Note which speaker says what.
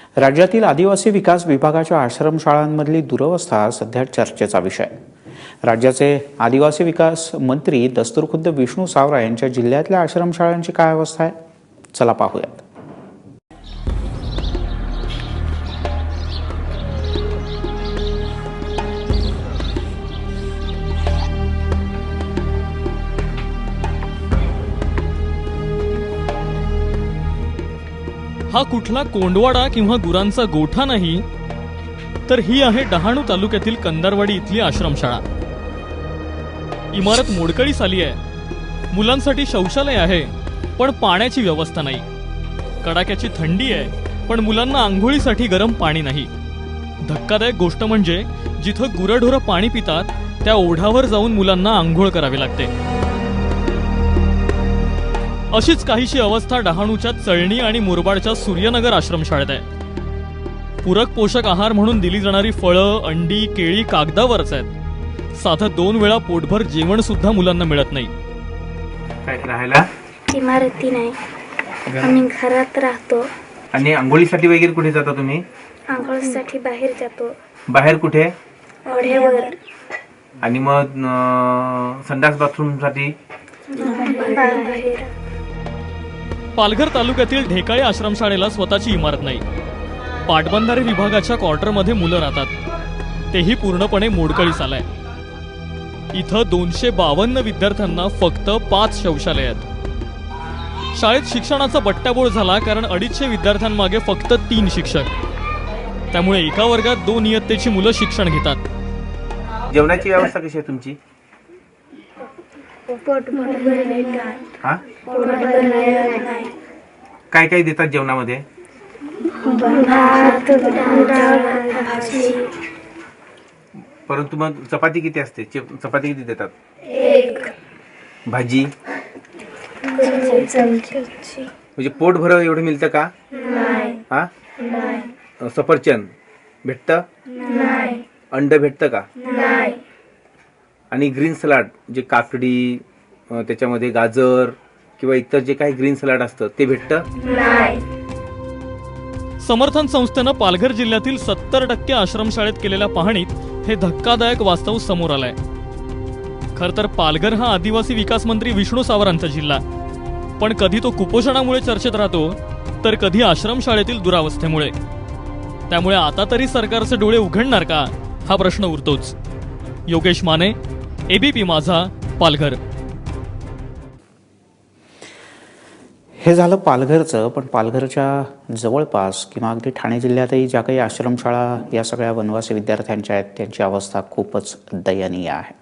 Speaker 1: राज्यातील आदिवासी विकास विभागाच्या आश्रमशाळांमधली दुरवस्था सध्या चर्चेचा विषय. राज्याचे आदिवासी विकास मंत्री दस्तूरखुद्द विष्णू सावरा यांच्या जिल्ह्यातल्या आश्रमशाळांची काय अवस्था आहे, चला पाहूयात.
Speaker 2: हा कुठला कोंडवाडा किंवा गुरांचा गोठा नाही, तर ही आहे डहाणू तालुक्यातील कंदारवाडी इथली आश्रमशाळा. इमारत मोडकळीस आली आहे. मुलांसाठी शौचालय आहे, पण पाण्याची व्यवस्था नाही. कडाक्याची थंडी आहे, पण मुलांना आंघोळीसाठी गरम पाणी नाही. धक्कादायक गोष्ट म्हणजे जिथं गुरंढोरं पाणी पितात त्या ओढ्यावर जाऊन मुलांना आंघोळ करावी लागते. अशीच काहीशी अवस्था डहाणूच्या चळणी आणि मुरबाडच्या सूर्यनगर आश्रमशाळेत आहे. पूरक पोषक आहार म्हणून दिली जाणारी फळं, अंडी, केळी कागदावरच आहेत. साधं 2 वेळा पोटभर जेवण सुद्धा मुलांना मिळत नाही.
Speaker 3: काय राहायला
Speaker 4: इमारती नाही, आम्ही घरात राहतो.
Speaker 3: आणि आंघोळीसाठी वगैरे कुठे जाता तुम्ही?
Speaker 4: आंघोळीसाठी बाहेर जातो.
Speaker 3: बाहेर कुठे?
Speaker 4: ओढ्यावर.
Speaker 3: आणि मग संडास बाथरूम साठी
Speaker 4: बाहेर.
Speaker 2: पालघर तालुक्यातील ढेकाळे आश्रमशाळेला स्वतःची इमारत नाही. पाटबंधारे विभागाच्या क्वार्टरमध्ये मुलं राहतात. तेही पूर्णपणे मोडकळीस आलंय. इथं 252 विद्यार्थ्यांना फक्त 5 शौचालय आहेत. शाळेत शिक्षणाचा बट्ट्याबोळ झाला, कारण 250 विद्यार्थ्यांमागे फक्त 3 शिक्षक. त्यामुळे एका वर्गात 2 इयत्तेची मुलं शिक्षण घेतात.
Speaker 3: जेवणाची व्यवस्था कशी आहे तुमची? हा? काय काय देतात जेवणामध्ये?
Speaker 4: भात, डाळ, भाजी.
Speaker 3: परंतु मग चपाती किती असते? चपाती किती देतात?
Speaker 4: 1
Speaker 3: भाजी
Speaker 4: चमची.
Speaker 3: म्हणजे पोट भर एवढं मिळतं का?
Speaker 4: नाही.
Speaker 3: हा?
Speaker 4: नाही.
Speaker 3: सफरचंद भेटतं?
Speaker 4: नाही.
Speaker 3: अंड भेटतं का?
Speaker 4: नाही.
Speaker 3: आणि ग्रीन सलाड, जे काकडी, त्याच्यामध्ये गाजर किंवा इतर जे काही ग्रीन सलाड असतं ते भेटतं?
Speaker 4: नाही.
Speaker 2: समर्थन संस्थेनं पालघर जिल्ह्यातील 70% आश्रमशाळेत केलेल्या पाहणीत हे धक्कादायक वास्तव समोर आलंय. खर तर पालघर हा आदिवासी विकास मंत्री विष्णू सावरांचा जिल्हा, पण कधी तो कुपोषणामुळे चर्चेत राहतो, तर कधी आश्रमशाळेतील दुरावस्थेमुळे. त्यामुळे आता तरी सरकारचे डोळे उघडणार का, हा प्रश्न उरतोच. योगेश माने, एबीपी माझा, पालघर.
Speaker 1: हे झालं पालघरचं, पण पालघरच्या जवळपास किंवा अगदी ठाणे जिल्ह्यातही ज्या काही आश्रमशाळा या सगळ्या वनवासी विद्यार्थ्यांच्या आहेत, त्यांची अवस्था खूपच दयनीय आहे.